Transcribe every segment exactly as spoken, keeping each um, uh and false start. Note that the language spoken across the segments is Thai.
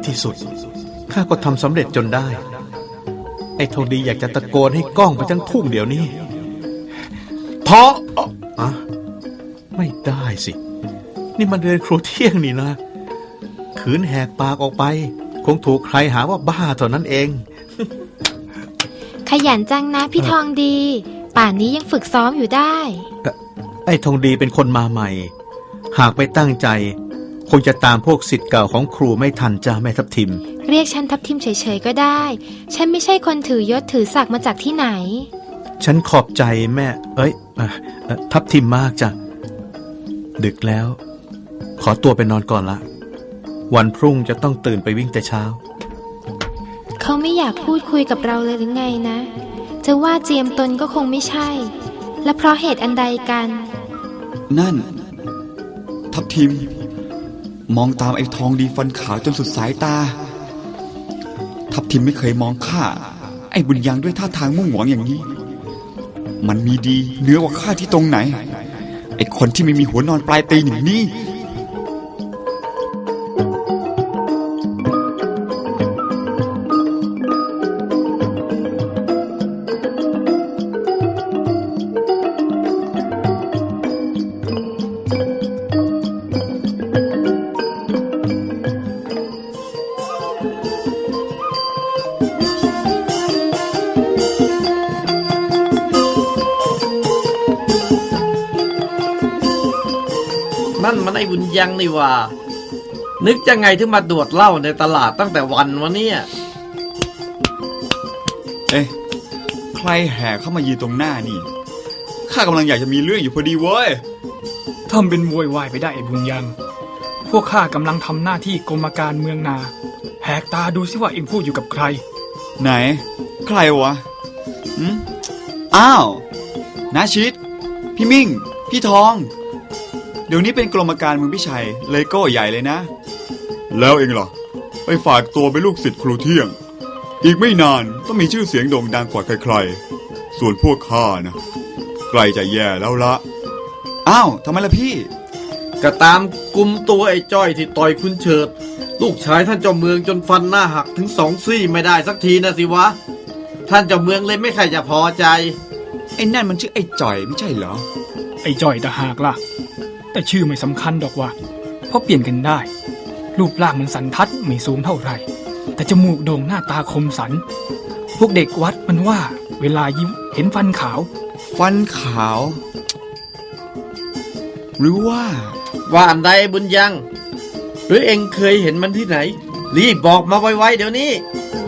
ที่สุดข้าก็ทำสำเร็จจนได้ไอ้ทองดีอยากจะตะโกนให้ก้องไปทั้งทุ่งเดี๋ยวนี้พออะไม่ได้สินี่มันเรียนครูเที่ยงนี่นะขืนแหกปากออกไปคงถูกใครหาว่าบ้าเท่านั้นเองขยันจังนะพี่ทองดีป่านนี้ยังฝึกซ้อมอยู่ได้ไอ้ทองดีเป็นคนมาใหม่หากไม่ตั้งใจคงจะตามพวกศิษย์เก่าของครูไม่ทันจ้าแม่ทับทิมเรียกฉันทับทิมเฉยๆก็ได้ฉันไม่ใช่คนถือยศถือศักดิ์มาจากที่ไหนฉันขอบใจแม่เอ้ยทับทิมมากจ้ะดึกแล้วขอตัวไปนอนก่อนละวันพรุ่งจะต้องตื่นไปวิ่งแต่เช้าเขาไม่อยากพูดคุยกับเราเลยหรือไงนะจะว่าเจียมตนก็คงไม่ใช่และเพราะเหตุอันใดกันนั่นทับทิมมองตามไอ้ทองดีฟันขาวจนสุดสายตาทับทิมไม่เคยมองข้าไอ้บุญยังด้วยท่าทางมุ่งหวังอย่างนี้มันมีดีเหนือกว่าข้าที่ตรงไหนไอ้คนที่ไม่มีหัวนอนปลายตีนอย่างนี้นั่นมันไอ้บุญยังนี่ว่านึกจะไงถึงมาดวดเหล้าในตลาดตั้งแต่วันวะเนี่ยเอ๊ะใครแห่เข้ามายืนตรงหน้านี่ข้ากำลังอยากจะมีเรื่องอยู่พอดีเว้ยทำเป็นโวยวายไปได้ไอ้บุญยังพวกข้ากำลังทำหน้าที่กรมการเมืองนาแหกตาดูสิว่าเอ็งพูดอยู่กับใครไหนใครวะอืมอ้าวน้าชิดพี่มิ่งพี่ทองเดี๋ยวนี้เป็นกรมการเมืองพี่ชัยเลยก็ใหญ่เลยนะแล้วเองล่ะไปฝากตัวเป็นลูกศิษย์ครูเที่ยงอีกไม่นานต้องมีชื่อเสียงโด่งดังกว่าใครๆส่วนพวกข้านะใกล้จะแย่แล้วละอ้าวทำไมล่ะพี่ก็ตามกุมตัวไอ้จ้อยที่ต่อยคุณเฉิดลูกชายท่านเจ้าเมืองจนฟันหน้าหักถึงสองซี่ไม่ได้สักทีนะสิวะท่านเจ้าเมืองเลยไม่ใครจะพอใจไอ้นั่นมันชื่อไอ้จ่อยไม่ใช่เหรอไอ้จ่อยต่างหากล่ะแต่ชื่อไม่สำคัญดอกว่าเพราะเปลี่ยนกันได้รูปร่างมันสันทัดไม่สูงเท่าไหร่แต่จมูกโด่งหน้าตาคมสันพวกเด็กวัดมันว่าเวลายิ้มเห็นฟันขาวฟันขาวหรือว่าว่าอันใดบุญยังหรือเอ็งเคยเห็นมันที่ไหนรีบบอกมาไวๆเดี๋ยวนี้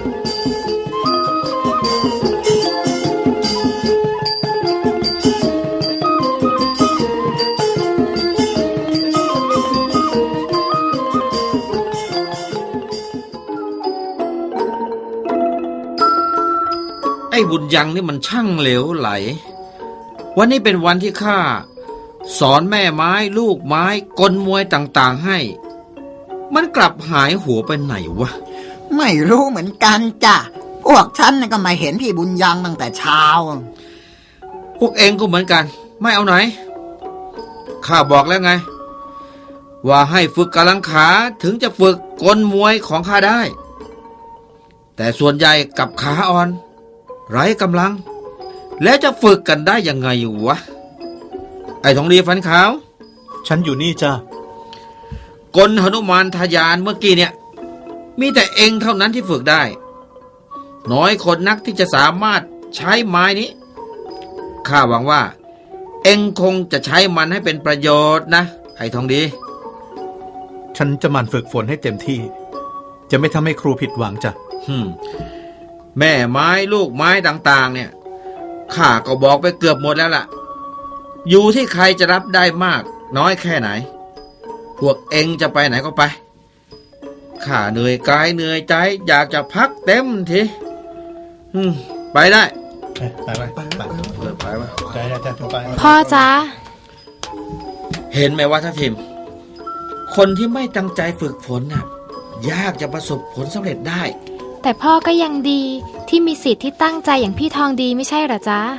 ไอ้บุญยังนี่มันช่างเหลวไหลวันนี้เป็นวันที่ข้าสอนแม่ไม้ลูกไม้กลมวยต่างๆให้มันกลับหายหัวไปไหนวะไม่รู้เหมือนกันจ้ะพวกฉันก็มาเห็นพี่บุญยังตั้งแต่เช้าพวกเองก็เหมือนกันไม่เอาไหนข้าบอกแล้วไงว่าให้ฝึกกำลังขาถึงจะฝึกกลมวยของข้าได้แต่ส่วนใหญ่กับขาอ่อนไร้กำลังแล้วจะฝึกกันได้ยังไงวะไอ้ทองดีฟันขาวฉันอยู่นี่จ้ะกลหนุมานทยานเมื่อกี้เนี่ยมีแต่เองเท่านั้นที่ฝึกได้น้อยคนนักที่จะสามารถใช้ไม้นี้ข้าหวังว่าเองคงจะใช้มันให้เป็นประโยชน์นะไอ้ทองดีฉันจะหมั่นฝึกฝนให้เต็มที่จะไม่ทำให้ครูผิดหวังจ้ะฮึมแม่ไม้ลูกไม้ต่างๆเนี่ยข้าก็บอกไปเกือบหมดแล้วล่ะอยู่ที่ใครจะรับได้มากน้อยแค่ไหนพวกเองจะไปไหนก็ไปข้าเหนื่อยกายเหนื่อยใจอยากจะพักเต็มทีอืมไปได้ไปไปไปไปไปไปพ่อจ๊ะเห็นไหมว่าท่านทิมคนที่ไม่ตั้งใจฝึกฝนน่ะยากจะประสบผลสำเร็จได้แต่พ่อก็ยังดีที่มีสิทธิ์ที่ตั้งใจอย่างพี่ทองดีไม่ใช่หรอจ๊ะ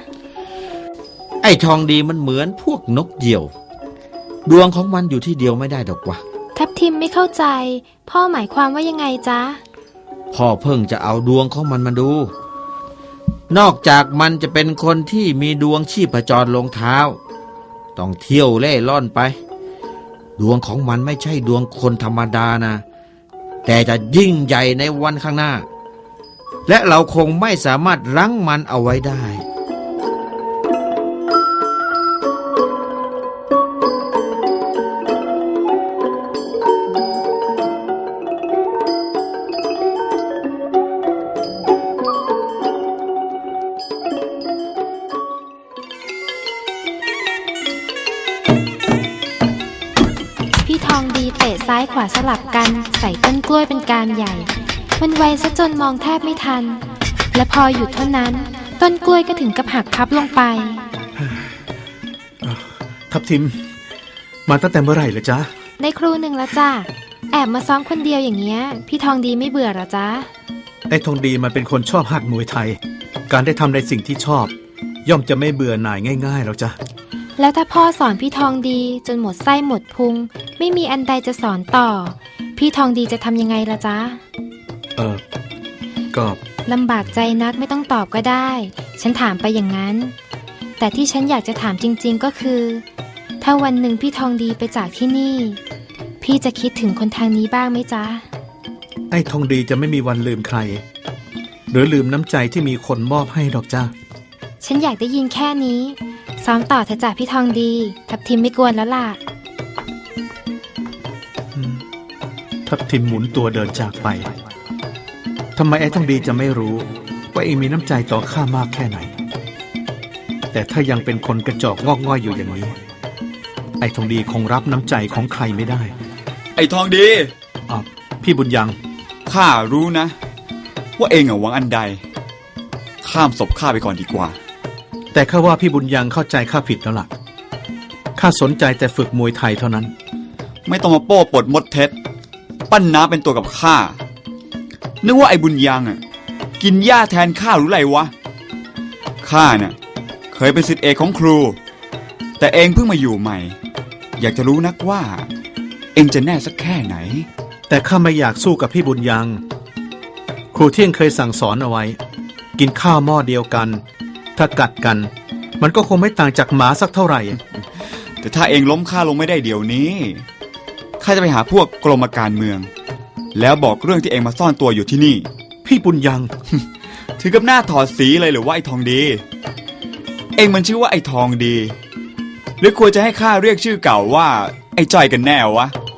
ไอ้ทองดีมันเหมือนพวกนกเหยี่ยวดวงของมันอยู่ที่เดียวไม่ได้ดอกวะททับทิมไม่เข้าใจ พ่อหมายความว่ายังไงจ๊ะพ่อเพิ่งจะเอาดวงของมันมาดู นอกจากมันจะเป็นคนที่มีดวงชีพจรลงเท้า ต้องเที่ยวเล่ร่อนไป ดวงของมันไม่ใช่ดวงคนธรรมดานะ แต่จะยิ่งใหญ่ในวันข้างหน้า และเราคงไม่สามารถรั้งมันเอาไว้ได้พี่ทองดีเตะซ้ายขวาสลับกันใส่ต้นกล้วยเป็นการใหญ่ มันไวซะจนมองแทบไม่ทัน และพอหยุดเท่านั้นต้นกล้วยก็ถึงกับหักพับลงไปทับทิม มาตั้งแต่เมื่อไหร่เหรอจ๊ะในครูหนึ่งแล้วจ้ะแอบมาซ้อมคนเดียวอย่างเงี้ยพี่ทองดีไม่เบื่อหรอจ๊ะไอ้ทองดีมันเป็นคนชอบหัดมวยไทย การได้ทำในสิ่งที่ชอบ ย่อมจะไม่เบื่อหน่ายง่ายๆหรอกจ๊ะแล้วถ้าพ่อสอนพี่ทองดีจนหมดไส้หมดพุงไม่มีอันใดจะสอนต่อ พี่ทองดีจะทำยังไงล่ะจ๊ะเออก็ลำบากใจนักไม่ต้องตอบก็ได้ ฉันถามไปอย่างนั้น แต่ที่ฉันอยากจะถามจริงๆก็คือ ถ้าวันหนึ่งพี่ทองดีไปจากที่นี่ พี่จะคิดถึงคนทางนี้บ้างไหมจ๊ะไอ้ทองดีจะไม่มีวันลืมใคร หรือลืมน้ำใจที่มีคนมอบให้หรอกจ้ะฉันอยากได้ยินแค่นี้ซ้อมต่อเถอะจ้ะพี่ทองดีทับทิมไม่กวนแล้วล่ะทับทิมหมุนตัวเดินจากไปทำไมไอ้ทองดีจะไม่รู้ว่าเองมีน้ำใจต่อข้ามากแค่ไหน แต่ถ้ายังเป็นคนกระจอกงอกง่อยอยู่อย่างนี้ ไอ้ทองดีคงรับน้ำใจของใครไม่ได้ไอ้ทองดีอ่ะพี่บุญยังข้ารู้นะ ว่าเองอะหวังอันใด ข้ามศพข้าไปก่อนดีกว่าแต่ข้าว่าพี่บุญยังเข้าใจข้าผิดแล้วล่ะข้าสนใจแต่ฝึกมวยไทยเท่านั้นไม่ต้องมาโป้ปดมดเท็จ ปั้นน้ำเป็นตัวกับข้า นึกว่าไอ้บุญยังอ่ะกินหญ้าแทนข้าหรือไรวะ ข้าน่ะเคยเป็นศิษย์เอกของครู แต่เองเพิ่งมาอยู่ใหม่ อยากจะรู้นักว่า เองจะแน่สักแค่ไหนแต่ข้าไม่อยากสู้กับพี่บุญยัง ครูเที่ยงเคยสั่งสอนเอาไว้ กินข้าวหม้อเดียวกัน ถ้ากัดกัน มันก็คงไม่ต่างจากหมาสักเท่าไหร่แต่ถ้าเองล้มข้าลงไม่ได้เดี๋ยวนี้ข้าจะไปหาพวกกรมการเมือง แล้วบอกเรื่องที่เองมาซ่อนตัวอยู่ที่นี่พี่บุญยังถือกับหน้าถอดสีเลยหรือว่าไอ้ทองดี เองมันชื่อว่าไอ้ทองดี หรือควรจะให้ข้าเรียกชื่อเก่าว่าไอ้จ้อยกันแน่วะ